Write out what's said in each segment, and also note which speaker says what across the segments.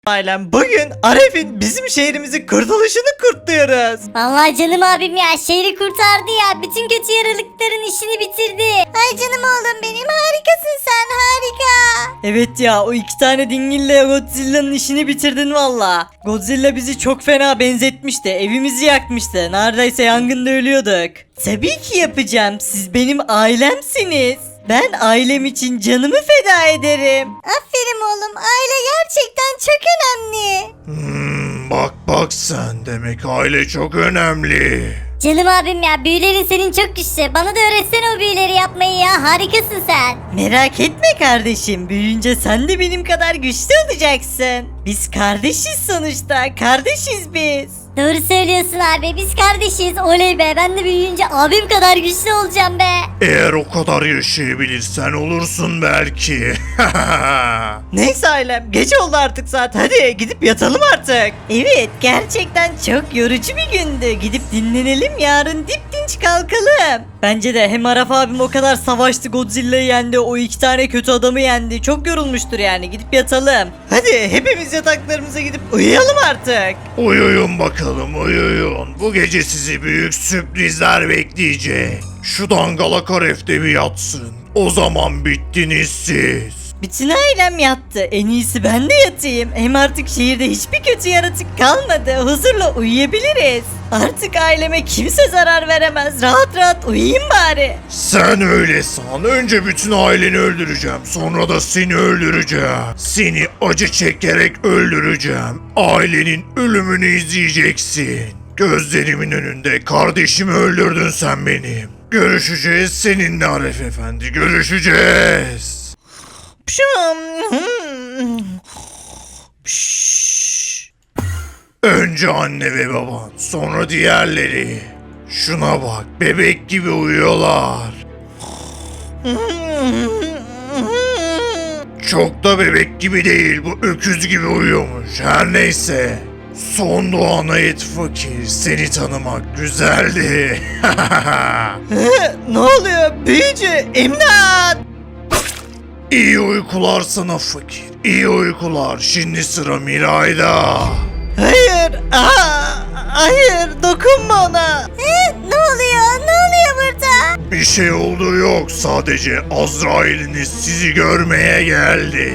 Speaker 1: Ailem bugün Aref'in bizim şehrimizin kurtuluşunu kutluyoruz.
Speaker 2: Vallahi canım abim ya şehri kurtardı ya. Bütün kötü yaralıkların işini bitirdi. Ay canım oğlum benim, harikasın sen, harika.
Speaker 3: Evet ya, o iki tane dingille Godzilla'nın işini bitirdin valla. Godzilla bizi çok fena benzetmişti. Evimizi yakmıştı. Neredeyse yangında ölüyorduk. Tabii ki yapacağım. Siz benim ailemsiniz. Ben ailem için canımı feda ederim.
Speaker 2: Aferin oğlum, aile gerçekten çok önemli.
Speaker 4: Bak sen, demek aile çok önemli.
Speaker 2: Canım abim ya, büyülerin senin çok güçlü. Bana da öğretsene o büyüleri yapmayı ya, harikasın sen.
Speaker 3: Merak etme kardeşim. Büyüyünce sen de benim kadar güçlü olacaksın. Biz kardeşiz sonuçta. Kardeşiz biz.
Speaker 2: Doğru söylüyorsun abi, biz kardeşiz. Oley be, ben de büyüyünce abim kadar güçlü olacağım be.
Speaker 4: Eğer o kadar yaşayabilirsen olursun belki.
Speaker 3: Neyse ailem, geç oldu artık saat. Hadi gidip yatalım artık. Evet, gerçekten çok yorucu bir gündü. Gidip dinlenelim, yarın dip dinç kalkalım. Bence de hem Araf abim o kadar savaştı, Godzilla'yı yendi, o iki tane kötü adamı yendi. Çok yorulmuştur yani, gidip yatalım.
Speaker 1: Hadi hepimiz yataklarımıza gidip uyuyalım artık.
Speaker 4: Uyuyun bakalım, uyuyun. Bu gece sizi büyük sürprizler bekleyecek. Şu dangalak Aref de bir yatsın. O zaman bittiniz siz.
Speaker 3: Bütün ailem yattı. En iyisi ben de yatayım. Hem artık şehirde hiçbir kötü yaratık kalmadı. Huzurla uyuyabiliriz. Artık aileme kimse zarar veremez. Rahat rahat uyuyayım bari.
Speaker 4: Sen öyle san. Önce bütün aileni öldüreceğim. Sonra da seni öldüreceğim. Seni acı çekerek öldüreceğim. Ailenin ölümünü izleyeceksin. Gözlerimin önünde kardeşimi öldürdün sen benim. Görüşeceğiz seninle Aref Efendi. Görüşeceğiz. Önce anne ve baban, sonra diğerleri. Şuna bak, bebek gibi uyuyorlar. Çok da bebek gibi değil, bu öküz gibi uyuyormuş. Her neyse. Son doğana et fakir, seni tanımak güzeldi.
Speaker 1: Ne oluyor büyücü? İmdat!
Speaker 4: İyi uykular sana fakir, iyi uykular. Şimdi sıra Miray'da.
Speaker 1: Hayır! Hayır! Dokunma ona!
Speaker 2: Ne oluyor? Ne oluyor burada?
Speaker 4: Bir şey olduğu yok, sadece Azrail'iniz sizi görmeye geldi.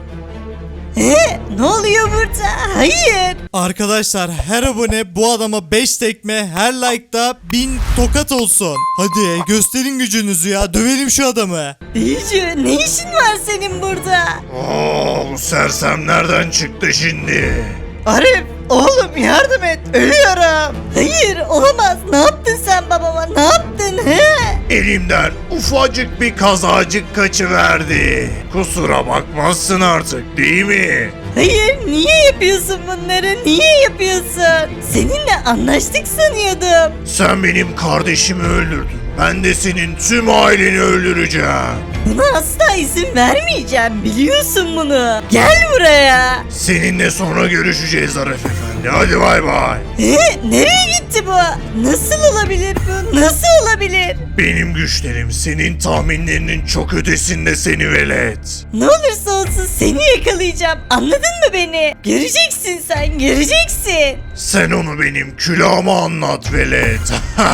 Speaker 3: Ne oluyor burada? Hayır.
Speaker 5: Arkadaşlar, her abone bu adama 5 tekme, her like'da 1000 tokat olsun. Hadi gösterin gücünüzü ya, dövelim şu adamı.
Speaker 3: Büyücü, ne işin var senin burada?
Speaker 4: Bu sersem nereden çıktı şimdi?
Speaker 1: Arif! Oğlum yardım et! Ölüyorum!
Speaker 3: Hayır, olamaz. Ne yaptın sen babama? Ne yaptın?
Speaker 4: Elimden ufacık bir kazacık kaçıverdi. Kusura bakmazsın artık, değil mi?
Speaker 3: Hayır, niye yapıyorsun bunları? Niye yapıyorsun? Seninle anlaştık sanıyordum.
Speaker 4: Sen benim kardeşimi öldürdün. Ben de senin tüm aileni öldüreceğim.
Speaker 3: Buna asla izin vermeyeceğim. Biliyorsun bunu. Gel buraya.
Speaker 4: Seninle sonra görüşeceğiz Aref Efendi. Hadi bay bay.
Speaker 3: Nereye gitti bu? Nasıl olabilir bu? Nasıl olabilir?
Speaker 4: Benim güçlerim senin tahminlerinin çok ötesinde seni velet.
Speaker 3: Ne olursa olsun seni yakalayacağım. Anladın mı beni? Göreceksin sen, göreceksin.
Speaker 4: Sen onu benim külahıma anlat velet.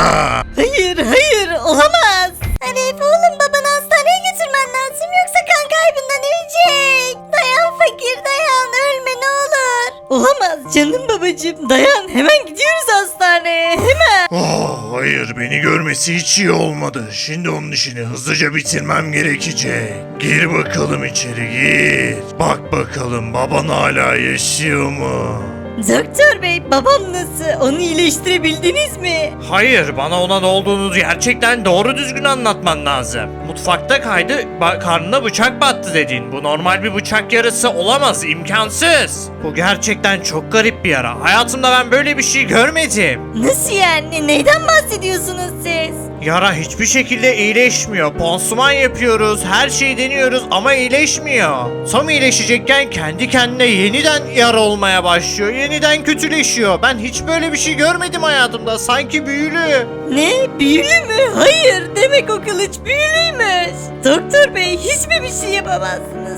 Speaker 3: Hayır, olamaz.
Speaker 2: Arif oğlum, babanı hastaneye götürmen lazım, yoksa kan kaybından ölecek. Dayan fakir, dayan, ölme ne olur.
Speaker 3: Olamaz canım babacığım. Dayan, hemen gidiyoruz hastaneye. Hemen.
Speaker 4: Hayır, beni görmesi hiç iyi olmadı. Şimdi onun işini hızlıca bitirmem gerekecek. Gir bakalım içeri, gir. Bak bakalım baban hala yaşıyor mu?
Speaker 3: Doktor bey, babam nasıl? Onu iyileştirebildiniz mi?
Speaker 6: Hayır, bana ona ne olduğunu gerçekten doğru düzgün anlatman lazım. Mutfakta kaydı, karnına bıçak battı dedin. Bu normal bir bıçak yarası olamaz, imkansız. Bu gerçekten çok garip bir yara. Hayatımda ben böyle bir şey görmedim.
Speaker 3: Nasıl yani? Neyden bahsediyorsunuz siz?
Speaker 6: Yara hiçbir şekilde iyileşmiyor. Pansuman yapıyoruz, her şeyi deniyoruz ama iyileşmiyor. Tam iyileşecekken kendi kendine yeniden yara olmaya başlıyor. Yeniden kötüleşiyor. Ben hiç böyle bir şey görmedim hayatımda. Sanki büyülü.
Speaker 3: Ne? Büyülü mü? Hayır. Demek o kılıç büyülüymüş. Doktor bey, hiç mi bir şey yapamazsınız?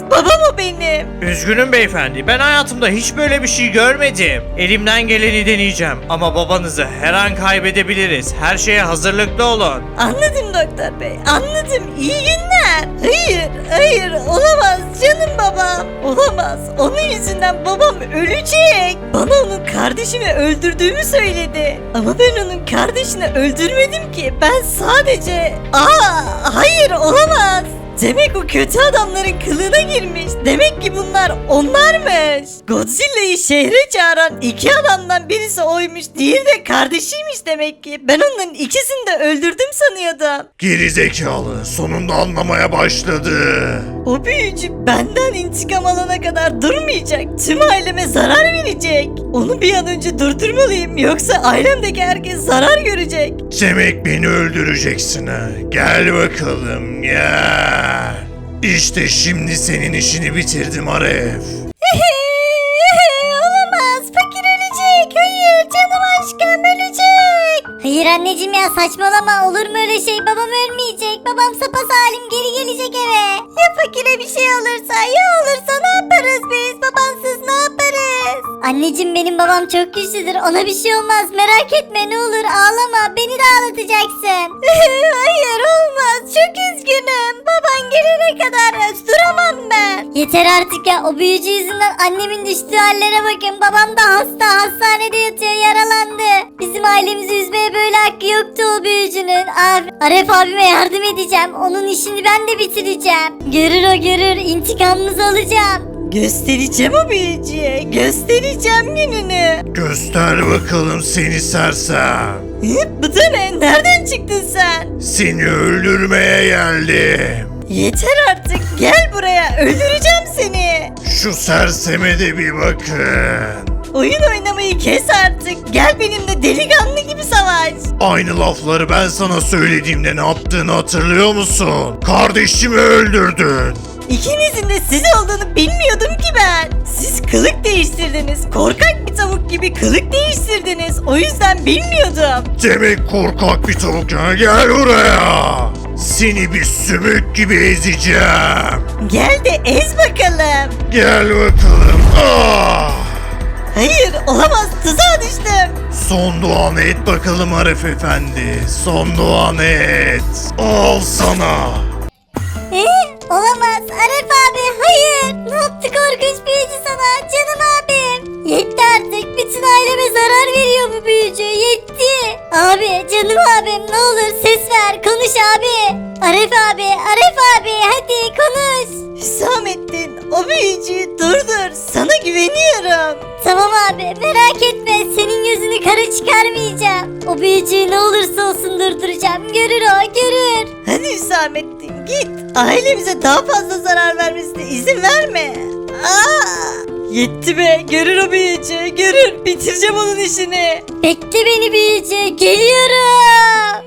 Speaker 3: Babam o benim.
Speaker 6: Üzgünüm beyefendi. Ben hayatımda hiç böyle bir şey görmedim. Elimden geleni deneyeceğim. Ama babanızı her an kaybedebiliriz. Her şeye hazırlıklı olun.
Speaker 3: Anladım doktor bey, anladım. İyi günler. Hayır, olamaz canım babam. Olamaz. Onun yüzünden babam ölecek. Bana onun kardeşimi öldürdüğümü söyledi. Ama ben onun kardeşini öldürmedim ki. Ben sadece... hayır olamaz. Demek o kötü adamların kılığına girmiş. Demek ki bunlar onlarmış. Godzilla'yı şehre çağıran iki adamdan birisi oymuş. Diğeri de kardeşiymiş demek ki. Ben onların ikisini de öldürdüm sanıyordum.
Speaker 4: Gerizekalı sonunda anlamaya başladı.
Speaker 3: O büyücü benden intikam alana kadar durmayacak. Tüm aileme zarar verecek. Onu bir an önce durdurmalıyım. Yoksa ailemdeki herkes zarar görecek.
Speaker 4: Demek beni öldüreceksin ha. Gel bakalım gel. İşte şimdi senin işini bitirdim Aref.
Speaker 2: Olamaz. Fakir ölecek. Hayır canım aşkım ölecek. Hayır anneciğim ya saçmalama. Olur mu öyle şey? Babam ölmeyecek. Babam sapasalim geri gelecek eve. Ya fakire bir şey olursa ne yaparız biz? Babansız ne yaparız? Anneciğim benim babam çok güçlüdür. Ona bir şey olmaz. Merak etme ne olur ağlama. Beni de ağlatacaksın. Hayır olmaz. Çok üzgünüm. Baban gelene kadar duramam ben. Yeter artık ya. O büyücü yüzünden annemin düştüğü hallere bakın. Babam da hasta. Hastanede yatıyor. Yaralandı. Bizim ailemizi üzmeye böyle hakkı yoktu o büyücünün. Aref abime yardım edeceğim. Onun işini ben de bitireceğim. Görür o görür. İntikamımızı alacağım.
Speaker 3: Göstereceğim o büyücüye. Göstereceğim gününü.
Speaker 4: Göster bakalım seni sersem.
Speaker 3: Bu da ne? Nereden çıktın sen?
Speaker 4: Seni öldürmeye geldim.
Speaker 3: Yeter artık. Gel buraya. Öldüreceğim seni.
Speaker 4: Şu serseme de bir bakın.
Speaker 3: Oyun oynamayı kes artık. Gel benimle delikanlı gibi savaş.
Speaker 4: Aynı lafları ben sana söylediğimde ne yaptığını hatırlıyor musun? Kardeşimi öldürdün.
Speaker 3: İkinizin de siz olduğunu bilmiyordum ki ben. Siz kılık değiştirdiniz. Korkak bir tavuk gibi kılık değiştirdiniz. O yüzden bilmiyordum.
Speaker 4: Demek korkak bir tavuk ha, gel buraya. Seni bir sümük gibi ezeceğim.
Speaker 3: Gel de ez bakalım.
Speaker 4: Gel bakalım.
Speaker 3: Hayır olamaz, tuzağa düştüm.
Speaker 4: Son duanı et bakalım Arif Efendi. Son duanı et. Al sana.
Speaker 2: Olamaz Aref abi hayır. Ne yaptı korkunç büyücü sana canım abim. Yetti artık bütün aileme zarar veriyor bu büyücü yetti. Abi canım abim ne olur ses ver konuş abi. Aref abi hadi konuş.
Speaker 3: Hüsamettin, o büyücüyü durdur. Sana güveniyorum.
Speaker 2: Tamam abi merak etme senin gözünü kara çıkarmayacağım. O büyücüyü ne olursa olsun durduracağım görür o görür.
Speaker 3: Hadi Hüsamettin git. Ailemize daha fazla zarar vermesine izin verme. Yetti be, görür o büyücü, görür. Bitireceğim onun işini.
Speaker 2: Bekle beni büyücü geliyorum.